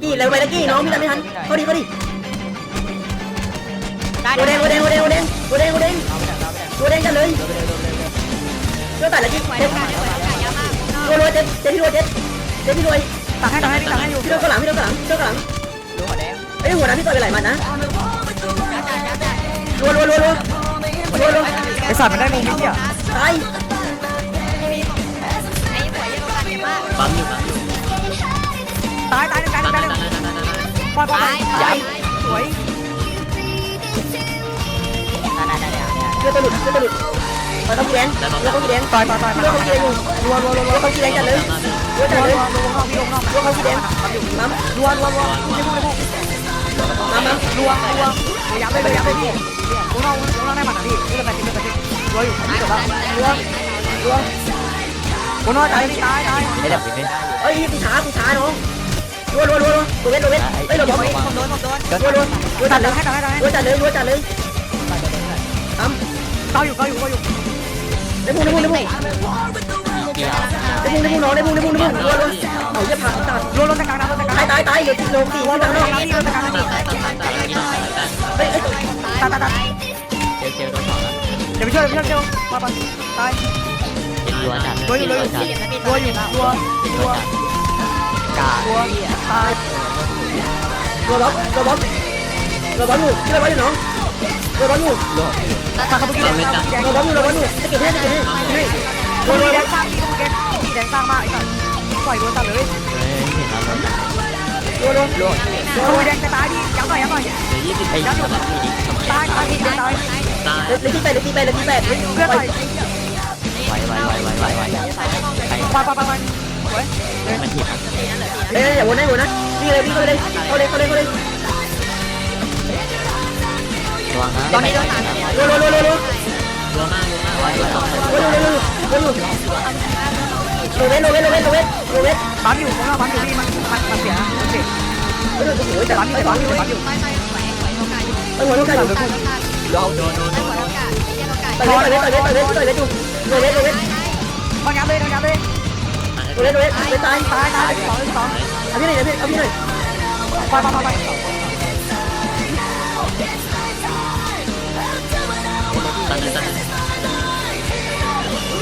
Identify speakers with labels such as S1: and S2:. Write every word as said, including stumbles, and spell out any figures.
S1: กี้เร็วไปตะกี้น้องพี่ทำไม่ทันเขาดีเขาดีโดแดงโดแดงโดแดงโดแดงโดแดงโดแดงโดแดงกันเลยโดนตัดตะกี้เจ็บโดนโดนเจ็บเจ็บพี่โดนเจ็บเจ็บพี่โดน
S2: ตักให้ตักให้ตักให้อยู่
S1: พี่โดนกระหลังพี่โดนกระหลังพี่โดนกระหลังไอ้หัวน้ำพี่ต่อยไปไหลมันนะรัวรัวรัวรัวรัวรัว
S2: ไอสัตว์มันได้มุมนี้อ่ะ
S1: ตาย
S3: ปั๊มอยู่ปั๊มอยู่
S2: ตายตายตายตายตายปล่อยปล่อยยับสวย
S1: เชื่อตัวหลุดเชื่อตัวหลุดเราต้องแดงเราต้องแดง
S2: ต่อยต่อยต่อย
S1: เราต้องแดงอยู่รัวรัวรัวรัวเขาแดงกันเลยรัวจัดเลย
S2: ลงนอกพี่ลงนอก
S1: รัวเขาแดงน้ำ
S2: รัวรัวรัวไม่พูดไม่พูด
S1: น้ำน้ำ
S2: รัวรัวยับเลยยับเลยพี่ลงนอกลงนอกได้หมัดพี่นี่เป็นแบบนี้เป็นแบบนี้รัวอยู่นี่จบแล้วรัวรัวลงนอกตายตายตาย
S3: ไม่ดับไม่ได้
S1: เอ้ยกูช้ากูช้าน้องรัวรัวรัวรัวเวทรัวเวทเอ้ยเราบอก
S2: ผมโดนผมโดน
S1: รัวรัวรัวจัดเลย
S2: ให้ตัดให้ตัดให้
S1: รัวจัดเลยรัวจัดเลยน้ำ
S2: เก้าอยู่เก้าอยู่เก้าอยู่
S1: ได้พุ่งได้พุ่งได้พุ่ง
S3: เกี่ยว
S1: ได้พุ่งได้พุ่งน้องได้พุ่งได้พุ่งได้พุ่งรัวรัวเอาเยี่ยผักตัด
S2: รัวลงตะกลางน้ำลงตะกลาง
S1: ตายตายตายเหลือลงสี่
S2: รัว
S1: ที่
S2: ล
S1: ทาง งน
S2: ตะ
S1: อก
S2: กลางนี่ลงตะกลางนี่
S3: ตายตายตายตายตายตาย
S1: เฮ้ย
S2: ตายตายตาย
S3: เจียวเจียวโดนสองแล้ว
S2: เดี๋ยวไปช่วยเดี๋ยวไปช่วยเดี๋ยวมาไปตาย
S3: เห็นรัวจัด
S2: รัวอยู่รัวอยู่รัวอยู่รัวรัว
S3: กา
S2: รัวตาย
S1: รัวบ๊อบรัวบ๊อบรัวบ๊อบอยู่ที่รัวบ๊อบอยู่น้องรัวบ๊อบอยู่
S3: รัว
S2: ตายเขาเมื่อกี้แดงแดง
S1: รัวบ๊อบอยู่รัวบ๊อบอยู่จะเก็บให้จะเก็บให้ให้
S2: รัวแดงสร้างที่ตรงแกที่แดงสร้างมากไอ้สัสปล่อยรัวตัดเลย
S3: เฮ้ยเห็นแล้วรัวจัด
S1: รัวรัว
S3: รัว
S2: รัวแดงจะตายดิย้ำหน่อยย้ำหน่อย
S3: เดี๋ยวยี่สิบไอ้สำหรับพี่ดิ
S2: ตายตายตายตาย
S3: ตาย
S1: เลยที่แปดเลยที่แปดเลยที่แปด
S2: เพื่อนหน่อย
S3: ไวไวไวไวไวไวใคร
S2: ปล่อยปล่อยปล่อยสวย
S3: มันถีบ
S1: เอ้ยอย่าวนนะวนนะวิ่งเลยวิ่งเลยเข้าเลยเข้าเลยเข้าเลย
S3: ระวังนะ
S1: ตอนนี้โดนรัวรัวรัวรัวรัว
S3: รัวมากรัวมากไวไวสอง
S1: รัวรัวรัวรัวรัวโรเวทโรเวทโรเวทโรเวทโรเวท
S2: ปั๊มอยู่ผมว่าปั๊มอยู่พี่มันมันมันเสียมันเสีย
S1: โอ้โหแต่
S2: ปั๊มอยู่
S1: ไอ้
S2: ปั๊
S1: ปั๊
S2: ม
S1: ม
S2: อ
S1: อยู่ ยู่
S2: ปั๊มอยู่
S1: ไอ้หัวลูกไก่อยู่
S3: โดนโดนโดนโดน
S1: ต่อยเวทต่อยเวทต่อยเวทต่อยเวทอยู่โรเวทโรเวท
S2: มันยับเลยมันยับเลย
S1: โรเวทโรเวทไปตาย
S2: ตายตายสองสอง
S1: เอาพี่หน่อยเอาพี่เอาพี่หน่อย
S2: ปล่อยปล่อยปล่อย